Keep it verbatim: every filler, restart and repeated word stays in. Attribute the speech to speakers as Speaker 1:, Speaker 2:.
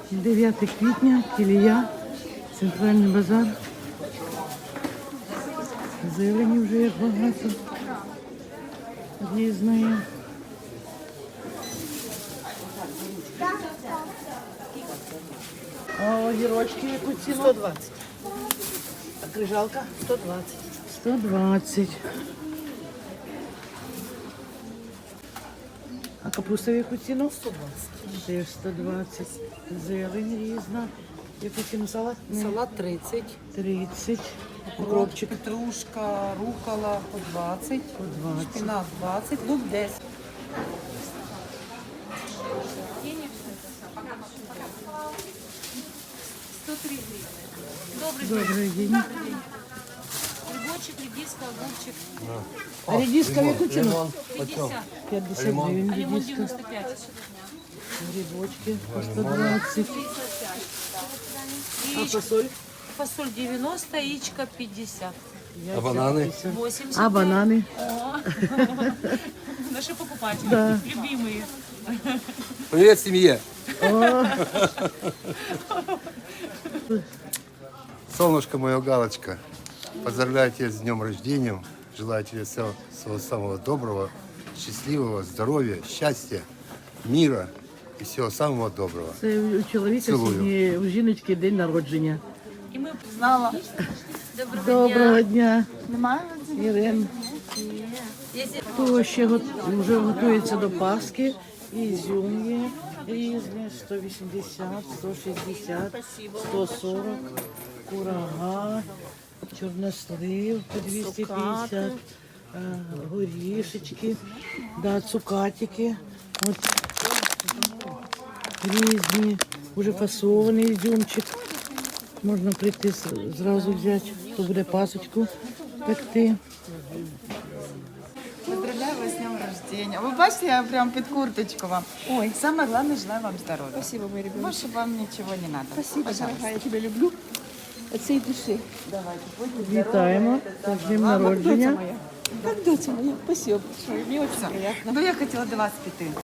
Speaker 1: дев'яте квітня, Кілія, центральний базар. Зелені вже як багато. Різної. А огірочки яку ціну?
Speaker 2: сто двадцять.
Speaker 1: А крижалка?
Speaker 2: сто двадцять.
Speaker 1: сто двадцять. А капуста в яку ціну?
Speaker 2: сто двадцять.
Speaker 1: Теж сто двадцять. Зелень різна. Яку ціну салат?
Speaker 2: Салат тридцять.
Speaker 1: тридцять.
Speaker 2: Укропчик. Петрушка, рукола по двадцять.
Speaker 1: По двадцять.
Speaker 2: Шпинат двадцять. Лук десять.
Speaker 3: сто три гривны. Добрый
Speaker 1: Добрий день.
Speaker 3: день. Грибочек, редиска, огурчик.
Speaker 1: А редиска в яку ціну?
Speaker 3: пятьдесят.
Speaker 1: п'ятдесят гривень
Speaker 3: А лимон
Speaker 1: редиска.
Speaker 3: девяносто пять.
Speaker 1: Грибочки по сто двадцать. А фасоль?
Speaker 3: Фасоль девяносто, яичко пятьдесят.
Speaker 1: А банани?
Speaker 3: восемьдесят.
Speaker 1: А банани?
Speaker 3: О, наши покупатели.
Speaker 1: Да.
Speaker 3: Любимые.
Speaker 4: Привет, семье! Солнышко мое, Галочка, поздравляю тебя с днем рождения. Желаю тебе всего, всего самого доброго, счастливого, здоровья, счастья, мира и всего самого доброго.
Speaker 1: Це у чоловіка
Speaker 4: Цілую.
Speaker 1: сьогодні, у жіночки день народження.
Speaker 3: И мы
Speaker 5: Знала.
Speaker 3: доброго,
Speaker 1: Доброго дня,
Speaker 5: Немає?
Speaker 1: Ірен.
Speaker 3: Если
Speaker 1: Хто ще го- вже готується до Пасхи? Ізюм є різні, сто вісімдесят, сто шістдесят, сто сорок, курага, чорнослив по двісті п'ятдесят, а, горішечки, да, цукатики. От різні, вже фасований ізюмчик. Можна прийти с- зразу взяти, хто буде пасочку пекти.
Speaker 5: Поздравляю вас з днем рождения. Ви бачите, я прям під курточку вам. Ой. Самое главное, желаю вам здоровья.
Speaker 6: Спасибо, мой ребенок.
Speaker 5: Больше вам ничего не надо.
Speaker 6: Спасибо, дорогая, я тебя люблю от всей души.
Speaker 1: Вітаємо з днем народження.
Speaker 6: Как доця моя? Спасибо большое, мне очень приятно.
Speaker 5: Ну, я хотела до вас піти.